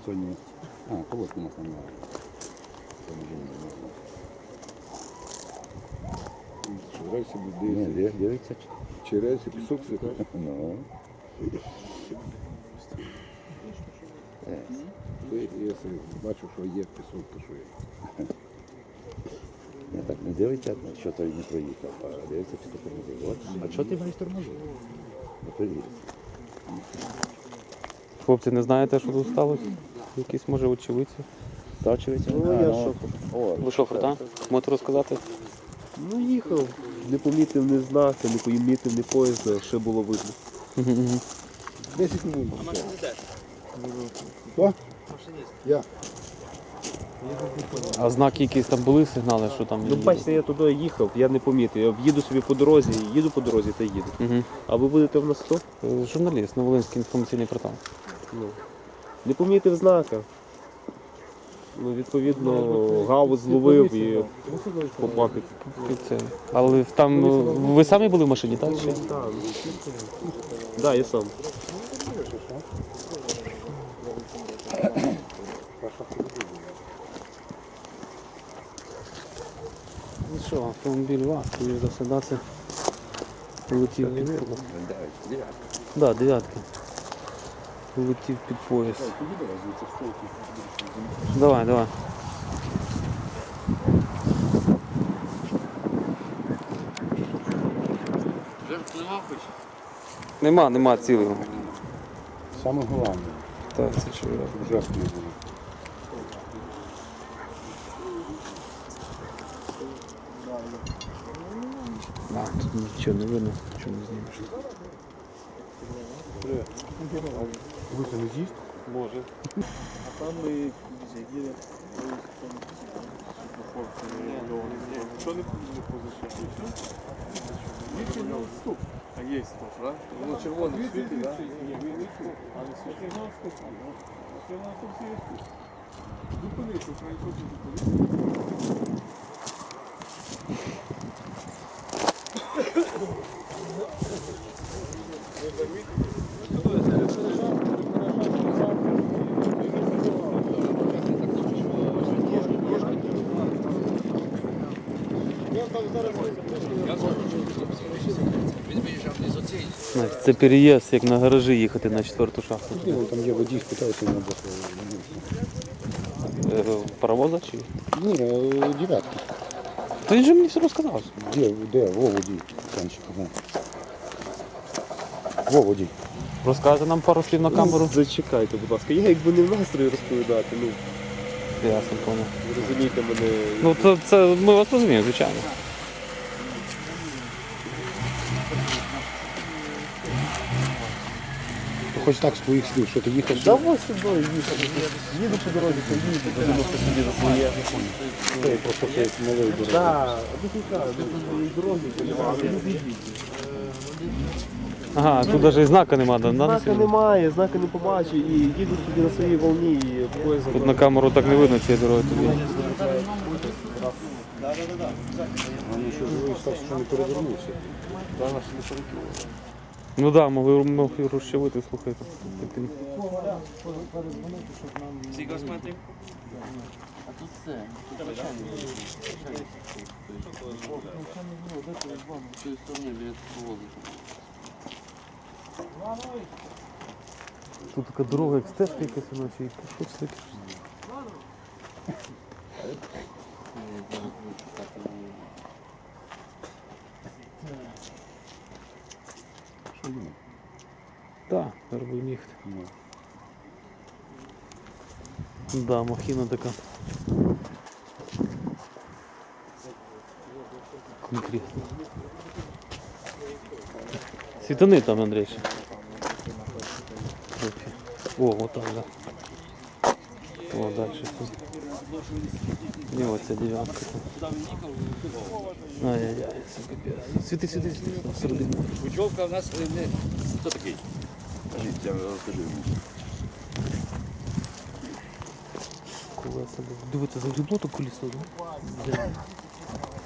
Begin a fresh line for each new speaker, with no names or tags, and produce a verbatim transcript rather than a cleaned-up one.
Сьогодні... А, колодку у нас немає.
Рейси
Ні,
буде
дивиться.
чи рейси пісок сипати.
Ну.
Я бачу, що є пісок, то що є.
Я так не дивиться, що той не проїхав, а дивиться, що тормозив. От. А що ти маєш тормозив? Не проїхав.
Хлопці, не знаєте, що тут сталося? Якісь, може, очевидці?
Та очевидно?
Ну, я шофер.
О,
Ви шофер, так? Можете розказати?
Ну їхав, не помітив ні знака, не помітив ні поїзда, ще було видно.
десять хвилин. Хто? Я.
А знаки якісь там були, сигнали, що там?
Ну бачите, я туди їхав, я не помітив. Я їду собі по дорозі, їду по дорозі та їду.
Угу.
А ви будете в нас хто?
Журналіст, Новолинський інформаційний портал.
Ну. Не помітив знака. Ну, відповідно, гаус зловив і попав під.
І це. Але там ви самі були в машині, так? Чи?
Так, да, я сам.
Ну що, автомобіль ВАЗ, скоріш за все, да, це полетів під поїзд. Да, дев'ятки. Полетів під поїзд. Давай, давай. Нема, нема цілого.
Саме головне,
Так, це чую.
щоб жертв не було.
А, тут нічого не видно, нічого не знімеш.
Ви це не з'їсть?
Може.
А там ми їде. Що не позичає? А є стоп, так? Воно червоне світить, так? А не світить? Зупинися, хай хоче зупинитися.
Значить, це переїзд, як на гаражі їхати на четверту шахту.
Ні, вон там є водій, спитаюся, не
Е, Паровоза чи?
Ні, е, дев'ятки.
Та він же мені все розказав.
Де, де? Во водій. Танчик, ага. Во водій.
Розкажете нам пару слів на камеру?
Ну, зачекайте, будь ласка. Я якби не в настрої розповідати, ну,
Ясно, понял.
ви розумієте мене.
Ну це, це ми вас розуміємо, звичайно.
Хоч так з твоїх слів, що ти їхав
Да ось сюди їхав. Їду по дорозі, то їду, подумав, що собі за своє.
Це просто це малий дорогий.
Так, до дороги, дороги.
Ага, тут навіть і знака нема, да? на
Знака немає, знака не побачив і їду собі на своїй волні і поїзд.
Тут на камеру так не видно цієї дороги тобі.
Вони ще живий став, що не перевернувся.
Ну так, да, могли, могли розчавити, слухайте.
Сколько смотрим?
Тут така дорога, як стежка якась у нас, і що це таке?
Що є?
Так, зараз будемо їхати. Да, махіна така. Конкретно. Світани там, Андрій. ще. Трохи. О, отак, да. О, дальше тут. І оця дев'ятка. Ай-яй-яй, це капець. Світи, світи, світи. Всередину.
Путевка у нас не... Хто такий?
Я розкажу.
Колеса. Дивіться, загрібло то колесо, да?